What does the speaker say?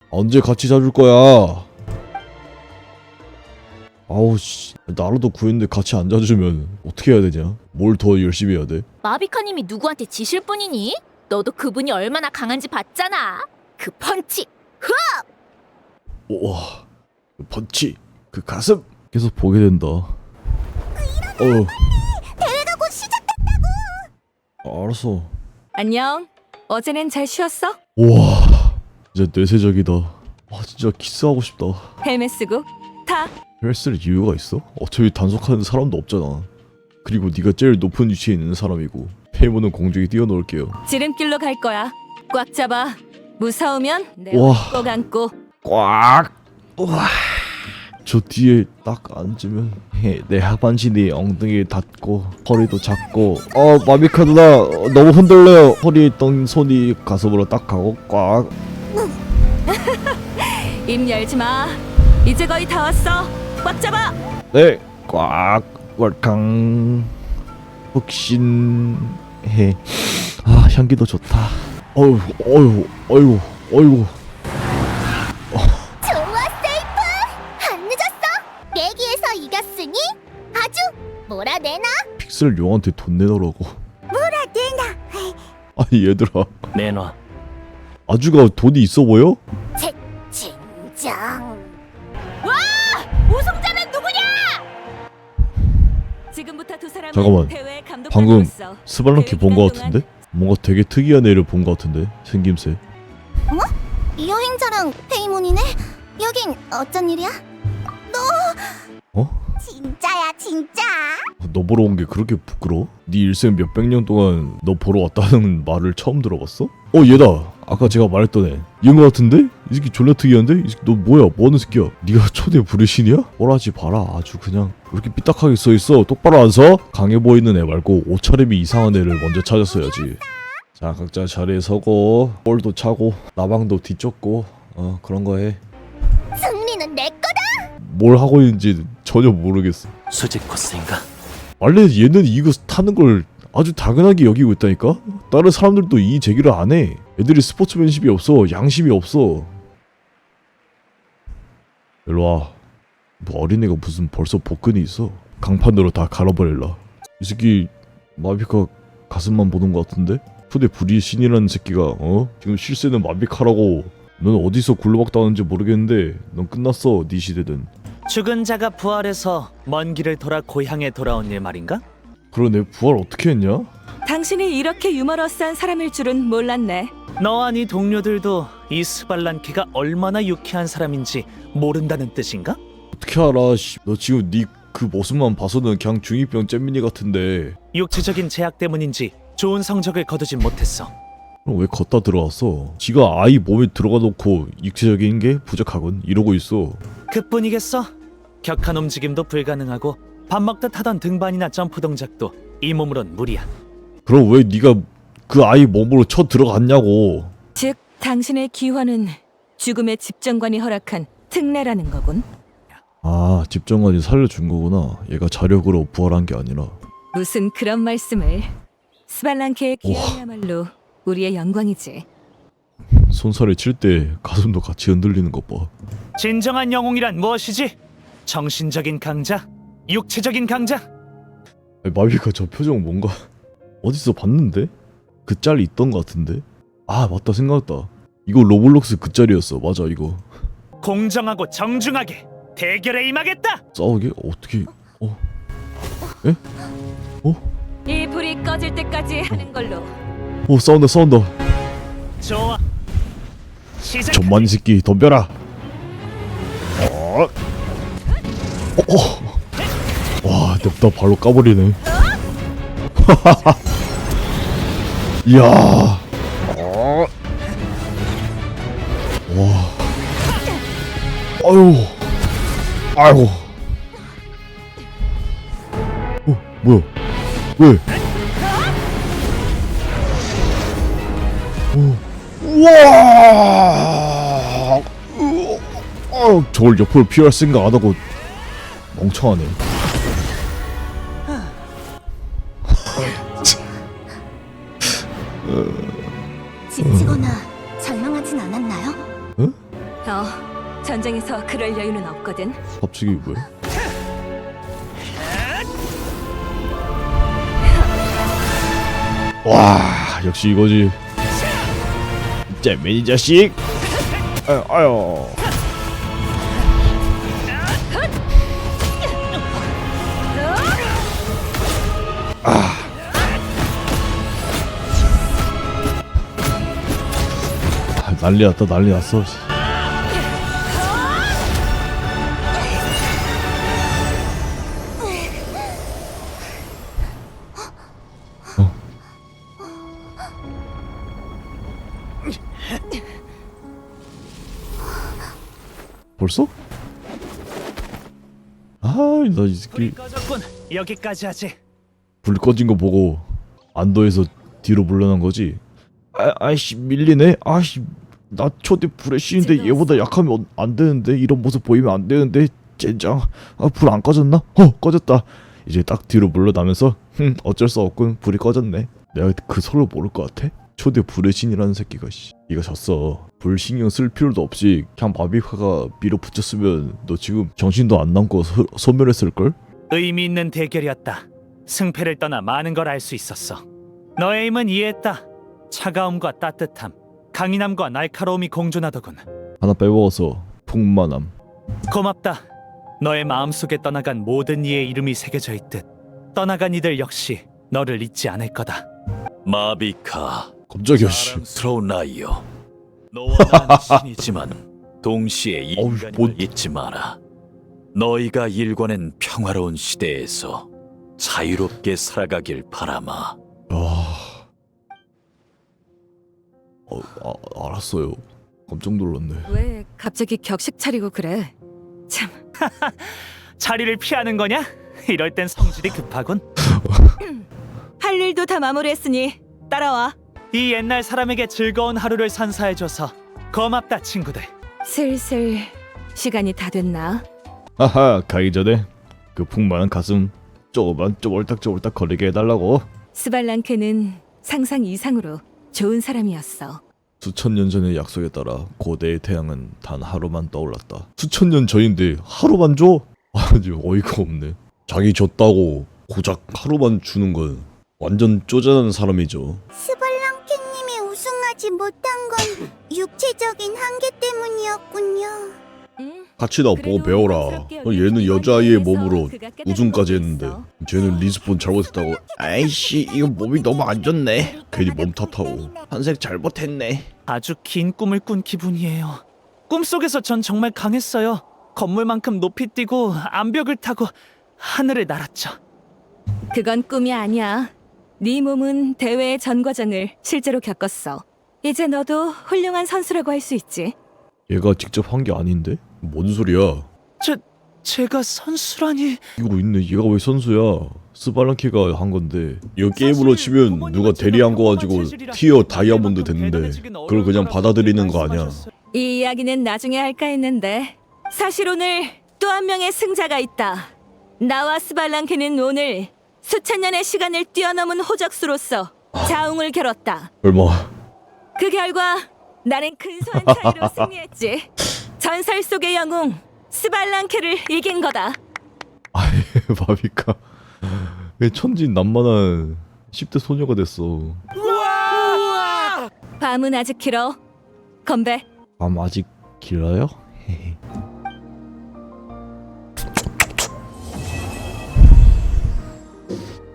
언제 같이 자줄 거야? 아우 씨, 나라도 구했는데 같이 안 자주면 어떻게 해야 되냐? 뭘 더 열심히 해야 돼? 마비카님이 누구한테 지실 뿐이니? 너도 그분이 얼마나 강한지 봤잖아. 그 펀치. 우와, 그 펀치, 그 가슴 계속 보게 된다. 대회가 곧 시작된다고. 알았어. 안녕. 어제는 잘 쉬었어? 우와, 진짜 뇌세적이다. 와, 진짜 키스하고 싶다. 헬멧 쓰고 타. 헬스를 이유가 있어? 어차피 단속하는 사람도 없잖아. 그리고 네가 제일 높은 위치에 있는 사람이고 페이모는 공중에 띄워놓을게요. 지름길로 갈 거야. 꽉 잡아. 무서우면 내 와. 꼭 안고. 꽉! 우와. 저 뒤에 딱 앉으면 내 하반신이 네 엉덩이에 닿고 허리도 작고 마미카 누나 너무 흔들려요. 허리에 있던 손이 가슴으로 딱 가고 꽉. 입 열지 마. 이제 거의 다 왔어. 꽉 잡아. 네, 꽉 월캉 흑신해. 아, 향기도 좋다. 어이구. 좋아, 세이프. 안 늦었어. 내기에서 이겼으니 아주 몰아내나? 픽셀 용한테 돈 내놓으라고. 몰아내나. 아니 얘들아, 내놔. 아주가 돈이 있어 보여? 진정. 와! 우승자는 누구냐? 지금부터 두 사람은 잠깐만. 대회 감독 방금 받으로서 스발랑키 대회 본 거 기간 같은데? 뭔가 되게 특이한 애를 본 거 같은데? 생김새. 여행자랑 페이몬이네? 여긴 어쩐 일이야? 너 어? 진짜야, 진짜? 너 보러 온 게 그렇게 부끄러워? 네 일생 몇백 년 동안 너 보러 왔다는 말을 처음 들어봤어? 얘다! 아까 제가 말했던 애. 얘인 거 같은데? 이 새끼 졸라 특이한데? 이 새끼 너 뭐야? 뭐하는 새끼야? 네가 초대 부르신이야? 꼴하지 봐라. 아주 그냥 왜 이렇게 삐딱하게 써있어? 똑바로 안 서? 강해 보이는 애 말고 옷차림이 이상한 애를 먼저 찾았어야지. 자, 각자 자리에 서고 볼도 차고 나방도 뒤쫓고 그런 거 해. 승리는 내 거다. 뭘 하고 있는지 전혀 모르겠어. 수직 코스인가? 원래 얘는 이거 타는 걸 아주 당연하게 여기고 있다니까? 다른 사람들도 이 제기를 안 해. 애들이 스포츠맨십이 없어. 양심이 없어. 일로와. 뭐 어린애가 무슨 벌써 복근이 있어. 강판으로 다 갈아버릴라. 이 새끼 마비카 가슴만 보는 것 같은데? 푸대 불이신이라는 새끼가 지금 실세는 마비카라고. 넌 어디서 굴러박다는지 모르겠는데 넌 끝났어. 네 시대든. 죽은 자가 부활해서 먼 길을 돌아 고향에 돌아온 일 말인가? 그러네. 부활 어떻게 했냐? 당신이 이렇게 유머러스한 사람일 줄은 몰랐네. 너와 네 동료들도 이 스발란키가 얼마나 유쾌한 사람인지 모른다는 뜻인가? 어떻게 알아? 씨. 너 지금 네 그 모습만 봐서는 그냥 중2병 잼민이 같은데. 육체적인 제약 때문인지 좋은 성적을 거두진 못했어. 그럼 왜 걷다 들어왔어? 지가 아이 몸에 들어가 놓고 육체적인 게 부족하군 이러고 있어. 그뿐이겠어? 격한 움직임도 불가능하고 밥 먹듯 하던 등반이나 점프 동작도 이 몸으론 무리야. 그럼 왜 네가 그 아이 몸으로 쳐 들어갔냐고. 즉, 당신의 기화는 죽음의 집정관이 허락한 특례라는 거군. 아, 집정관이 살려준 거구나. 얘가 자력으로 부활한 게 아니라. 무슨 그런 말씀을. 스발랑케의 기화야말로 우리의 영광이지. 손살에 칠 때 가슴도 같이 흔들리는 것 봐. 진정한 영웅이란 무엇이지? 정신적인 강자? 육체적인 강자? 마비가 저 표정 뭔가 어디서 봤는데? 그 짤이 있던 것 같은데? 아, 맞다, 생각났다. 이거 로블록스 그 짤이었어. 맞아, 이거. 공정하고 정중하게 대결에 임하겠다! 싸우게? 어떻게? 에? 이 불이 꺼질 때까지 하는 걸로. 싸운다. 좋아. 시작. 전만 이 새끼 덤벼라. 와, 냅다 발로 까버리네. 이야. 와. 아이고. 뭐야? 왜? 우와! 저걸 옆으로 피할 생각 안 하고 멍청하네. 지치거나 절망하진 않았나요? 전쟁에서 그럴 여유는 없거든. 갑자기 왜? 와 역시 이거지. 잼민이 자식. 아유. 난리 났다 난리 났어. 벌써? 아, 나 이 새끼 불이 꺼졌군. 여기까지 하지. 불 꺼진 거 보고 안도해서 뒤로 물러난 거지. 아이씨 밀리네. 아이씨 나 초대 불의 신인데 얘보다 약하면 안 되는데 이런 모습 보이면 안 되는데 젠장. 불 안 꺼졌나? 꺼졌다. 이제 딱 뒤로 물러나면서 어쩔 수 없군 불이 꺼졌네. 내가 그 소리를 모를 것 같아? 초대 불의 신이라는 새끼가 씨. 네가 졌어. 불 신경 쓸 필요도 없이 그냥 바비카가 밀어붙였으면 너 지금 정신도 안 남고 소멸했을걸? 의미 있는 대결이었다. 승패를 떠나 많은 걸 알 수 있었어. 너의 힘은 이해했다. 차가움과 따뜻함, 강인함과 날카로움이 공존하더군. 하나 빼먹어서 풍만함. 고맙다. 너의 마음속에 떠나간 모든 이의 이름이 새겨져 있듯 떠나간 이들 역시 너를 잊지 않을 거다. 마비카, 깜짝이야 씨. 사랑스러운 아이여. 너와 나는 신이지만 동시에 어우, 인간임을 뭐- 잊지 마라. 너희가 일궈낸 평화로운 시대에서 자유롭게 살아가길 바라마. 알았어요. 깜짝 놀랐네. 왜 갑자기 격식 차리고 그래? 참, 자리를 피하는 거냐? 이럴 땐 성질이 급하군. 할 일도 다 마무리했으니 따라와. 이 옛날 사람에게 즐거운 하루를 선사해줘서 고맙다 친구들. 슬슬 시간이 다 됐나? 하하 가기 전에 그 풍만한 가슴 조금만 쪼물딱쪼물딱 거리게 해달라고. 스발랑케는 상상 이상으로 좋은 사람이었어. 수천 년 전의 약속에 따라 고대의 태양은 단 하루만 떠올랐다. 수천 년 전인데 하루만 줘? 아주 어이가 없네. 자기 줬다고 고작 하루만 주는 건 완전 쪼잔한 사람이죠. 스발랑케님이 우승하지 못한 건 육체적인 한계 때문이었군요. 같이 나 보고 배워라. 얘는 여자아이의 몸으로 우승까지 했는데 쟤는 리스폰 잘못했다고. 아이씨 이거 몸이 너무 안 좋네. 괜히 몸 탓하고 한색 잘못했네. 아주 긴 꿈을 꾼 기분이에요. 꿈속에서 전 정말 강했어요. 건물만큼 높이 뛰고 암벽을 타고 하늘을 날았죠. 그건 꿈이 아니야. 네 몸은 대회의 전 과정을 실제로 겪었어. 이제 너도 훌륭한 선수라고 할 수 있지. 얘가 직접 한 게 아닌데? 뭔 소리야? 제가 선수라니. 이거 있네. 얘가 왜 선수야? 스발랑키가 한 건데. 이거 게임으로 치면 누가 대리한 거 가지고 티어 다이아몬드 됐는데 그걸 그냥 받아들이는 거 아니야? 이 이야기는 나중에 할까 했는데 사실 오늘 또 한 명의 승자가 있다. 나와 스발랑케는 오늘 수천 년의 시간을 뛰어넘은 호적수로서 자웅을 겨뤘다. 얼마? 그 결과 나는 근소한 차이로 승리했지. 전설 속의 영웅 스발랑케를 이긴 거다. 바비카 왜 천진난만한 10대 소녀가 됐어. 밤은 아직 길어. 건배. 밤 아직 길어요?